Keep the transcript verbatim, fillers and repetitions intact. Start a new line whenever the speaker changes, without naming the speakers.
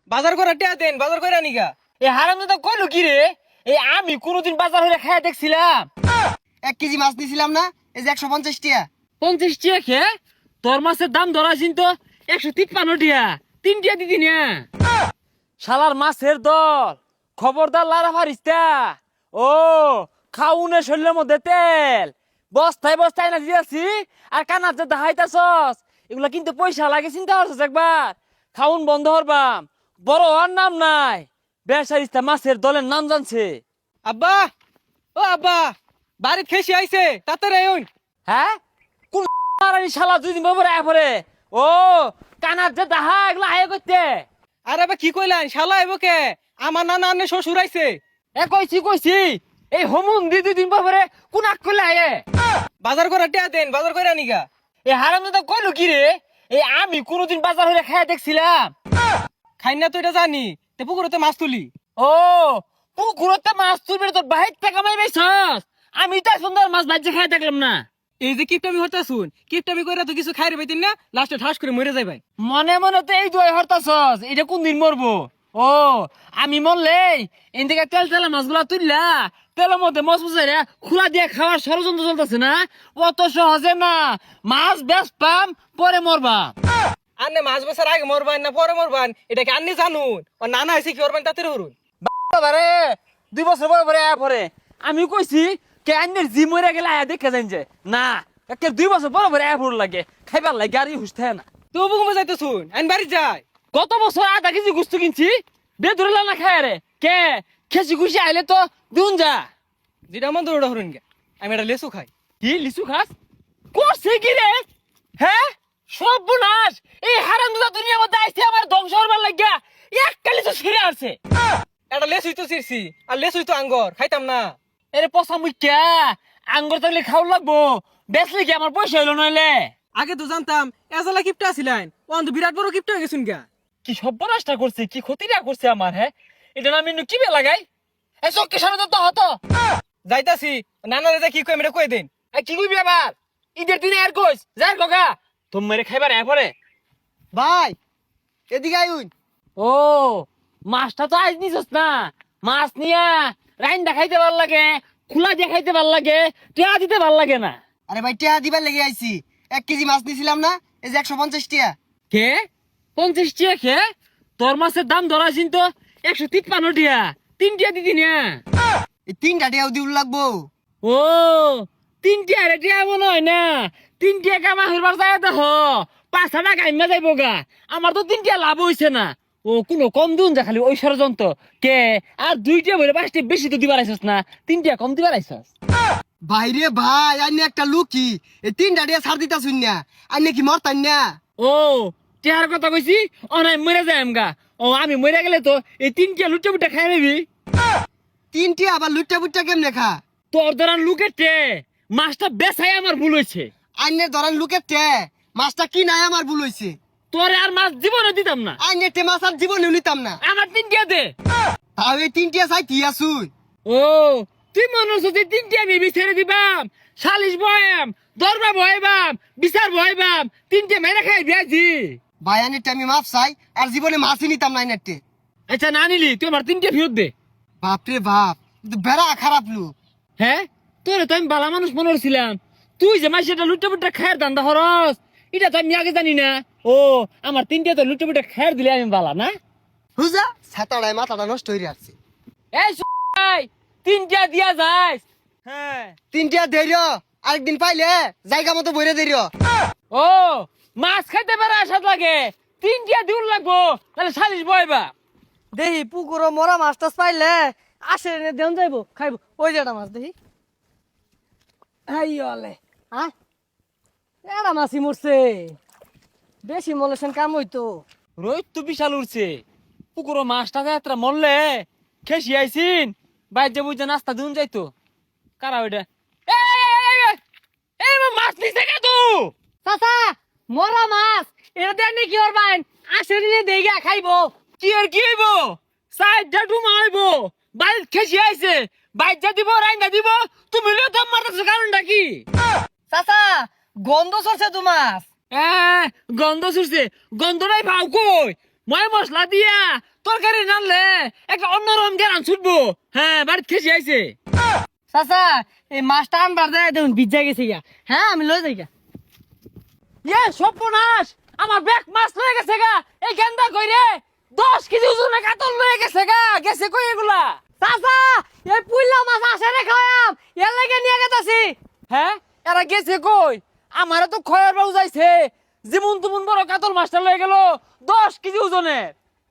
বাজার করে টিয়া দেন, বাজার করে আনিগা।
এই হারাম দাদা কইলো কি রে? এই আমি কোনোদিন বাজার হইলে খাইয়া দেখছিলাম
এক কেজি মাছ নিছিলাম না, এই যে একশো পঞ্চাশ টিয়া।
পঞ্চাশ টিয়া খে তোর মাছের দাম ধরাছিন তো একশো তিপ্পান্ন টিয়া, তিন টিয়া দিদি না শালার মাছের দল। খবরদার লারা ফারিস্তা। ও খাউনে শরীরের মধ্যে তেল বস্তায় বস্তায় না দিয়েছি, আর কানার যে দাহাইতাছস এগুলা কিন্তু পয়সা লাগে, চিন্তা করছস একবার? খাউন বন্ধ হরবাম, বড় হওয়ার নাম নাই। বেসারিস্তা মাছের দলের নাম জানছে।
আব্বা, ও আব্বা, বাড়িত খেসি আইছে, তাড়াতাড়ি আইন।
হ্যাঁ কোন মারানি শালা দুই দিন পরে আয় পরে। ও কানার যে দাহা এগুলা আয় করতে।
আরে আবার কি কইলেন, শালা আইব কে? আমার নানা আন্নে শ্বশুর আইছে।
এ কইছি কইছি এই হোমুন দি দুই দিন পরে কোন আক করলে আয়ে।
বাজার করে টিয়া দেন, বাজার করে আনিগা।
এই হারাম দাদা কইলো কি রে? এই আমি কোনোদিন বাজার হইলে খাইয়া দেখছিলাম।
খাই না তো এটা জানি, তে পুকুরতে মাছ তুলি।
ও পুকুরতে মাছ তুলবি তোর বাহির থেকে কামাই পাইছস? আমি তো সুন্দর মাছ বাজে খাইয়া দেখলাম না।
এই যে কিপটামি হতা শুন, কিপটামি কইরা তো কিছু খাইরে পাইতেন না, লাস্টে ঠাস করে মরে যাই ভাই।
মনে মনে তো এই দুই হরতাছস, এটা কোন দিন মরবো? ও আমি মরলে এদিকে তেল তেলা মাছগুলা তুললা তেলের মধ্যে মশ বুঝাই খোলা দিয়ে খাওয়ার ষড়যন্ত্র চলতেছে না? অত সহজে না, মাছ বেশ পাম পরে মরবা।
আন্নে মাছ বেচার আগে মরবান না পরে মরবান, এটা কি আন্নে জানুন? ও নানা আইছে কি করবেন তাতে হরুন।
বারে দুই বছর পরে পরে আয়া পরে আমি কইছি কে আন্নের জি মরে গেলে আয়া দেখে যাইন যে না, একে দুই বছর পরে পরে আয়া ভুল লাগে খাইবার লাগে গাড়ি হুসতে না।
তো বুকুমে যাইতে শুন, আইন বাড়ি যাই।
গত বছর আধা কেজি গুস্তু কিনছি, বে ধরে না খায় রে কে খেসি খুশি আইলে তো দুন যা।
যেটা মন দৌড়া হরুন গে, আমি এটা লেসু খাই।
কি লিচু খাস? করছে কি রে? হ্যাঁ সর্বনাশ, এই হারামজাদা দুনিয়ার মধ্যে আইছে আমার ধ্বংস হবার লাগিয়া এক কালি তো ছিঁড়ে আছে।
এটা লেসুই তো চিরছি, আর লেসুই তো আঙ্গর, খাইতাম না।
এরে পচা মুখ্যা আঙ্গুর তাহলে খাওয়া লাগবো, বেচলে কি আমার পয়সা হইলো নইলে?
আগে তো জানতাম এজালা কিপটা আছিলেন, ও তো বিরাট বড় কিপটা হয়ে গেছুন গা।
কি সর্বনাশটা করছে, কি ক্ষতিটা করছে আমার। হ্যাঁ এটা না আমি কি বে লাগাই এই চক্কি সামনে তো হতো
যাইতাছি, নানারে যা কি কই মেরে কই দেন।
এই কি কইবি আবার? ঈদের দিনে আর কইস যাই গগা তুমি মেরে খাইবার এ পরে।
ভাই এদিকে আইন।
ও মাছটা তো আজ নিছস না, মাছ নিয়া রাইন্দা খাইতে ভাল লাগে, খোলা দিয়ে খাইতে ভাল লাগে, টিয়া দিতে ভাল লাগে না।
আরে ভাই টিয়া দিবার লেগে আইছি, এক কেজি মাছ নিছিলাম না, এই যে একশো পঞ্চাশ টিয়া।
কে পঞ্চাশ টিয়া খে তোর মাছের দাম ধরাছিন তো একশো তিপ্পান্ন টিয়া, তিন টিয়া দিদি না।
এই তিনটা টিয়াও দিউল লাগবো।
ও তিন টিয়া রে টিয়া মনে হয় না, তিন টিয়া কামা হইবার যায় দেখ পাঁচ টাকা গাইমা যাইব গা, আমার তো তিন টিয়া লাভ হইছে না। ও কোনো কম দিন যা খালি ওই ষড়যন্ত্র কে, আর দুইটা বলে পাঁচটি বেশি তো দিবার আইসস না, তিনটা কম দিবার আইসস।
ভাইরে ভাই আইনে একটা লুকি, এই তিনটা টিয়া ছাড় দিতা শুন না, আইনে কি মরতান না?
ও টিয়ার কথা কইছি অনাই মরে যায় আমগা। ও আমি মরে গেলে তো এই তিনটা লুটে বুটে খাই নেবি।
তিন টিয়া আবার লুটটা বুটটা কেমনে খা?
তোর ধরান লুকের টে মাছটা বেসাই আমার ভুল হয়েছে।
আইনের ধরেন লুকের টে মাছটা কি নাই আমার ভুল হইছে।
তোরে আর মাছ জীবনে দিতাম না,
আইনের টে মাছ আর জীবনে নিতাম না।
আমার তিনটা দে।
তাও এই তিন টিয়া চাই কি আসুন।
ও তুই মনে হচ্ছে যে তিনটে আমি বিচারে দিবাম, সালিশ বয়াম, দরবা বয়াবাম, বিচার বয়াবাম, তিনটে মেরে খাই বিয়াজি।
ভাই আইনের টে আমি মাছ চাই, আর জীবনে মাছই নিতাম না আইনের টে।
আচ্ছা না নিলি তুই আমার তিনটে ফেরত দে।
বাপরে বাপ, কিন্তু বেড়া খারাপ লোক।
হ্যাঁ তোরে তো আমি বালা মানুষ মনে করছিলাম, তুই যে মাসে এটা লুটে পুটে খায়ের দান্দা হরস এটা তো আমি আগে জানি না। ও আমার তিনটে তো লুটে পুটে খায়ের দিলে আমি বালা না।
বুঝা ছাতাড়ায় মাথাটা নষ্ট হয়ে যাচ্ছে।
এই ভাই তিনটা দিয়া যাস। হ্যাঁ
তিন টিয়া ধৈর্য, আরেকদিন পাইলে জায়গা মতো বইরে ধৈর্য।
ও মাছ খাইতে পারে আসাদ লাগে, তিনটা দিউল লাগবো তাহলে সালিশ বয়বা।
দেখি পুকুর মরা মাছ টাছ পাইলে আসে এনে দেন যাইবো খাইবো। ওই যে একটা মাছ দেখি, আইলে হ্যাঁ এটা মাছই মরছে, বেশি মলেছেন কাম হইতো।
রোহিত তো বিশাল উঠছে, পুকুরো মাছটা যাত্রা মরলে খেসি আইসিন বাইর যে বুঝে নাস্তা দিন যাইতো। কারা ওইটা? এই, এই, এই, এই, এই, মাছ নিছে কে তু?
চাচা মরা মাছ এটা দেন নি কি করবেন, আসে এনে দেইগা খাইবো।
কি আর কি হইব? সাইডটা ডুমা হইব, বাইর খেসি আইছে, বাইর যা দিব রাইন্দা দিব, তুমি লিও দম মারতেছো কারণটা কি?
চাচা গন্ধ সরছে তো মাছ।
এ, গন্ধ ছুটছে, গন্ধটাই ভাও কই? ময় মশলা দিয়া তরকারি রানলে একটা অন্যরকম জ্ঞান ছুটবো। হ্যাঁ বাড়িতে খেসে আইছে।
চাচা এই মাছটা আনবার দেয় দেখুন ভিজা গেছে গা। হ্যাঁ আমি লই যাই গা।
ইয়ে সর্বনাশ, আমার ব্যাগ মাছ লয়ে গেছে গা। এই গেন্দা কই রে, দশ কেজি ওজনে কাতল লয়ে গেছে গা। গেছে কই এগুলা?
চাচা এই পুইলা মাছ আসে রে খাওয়াম এর লাগে নিয়ে গেতাছি।
হ্যাঁ এরা গেছে কই? আমারও তো খয়ের বাবু যাইছে, যেমন তেমন বড় কাতল মাছটা লয়ে গেল দশ কেজি ওজনের।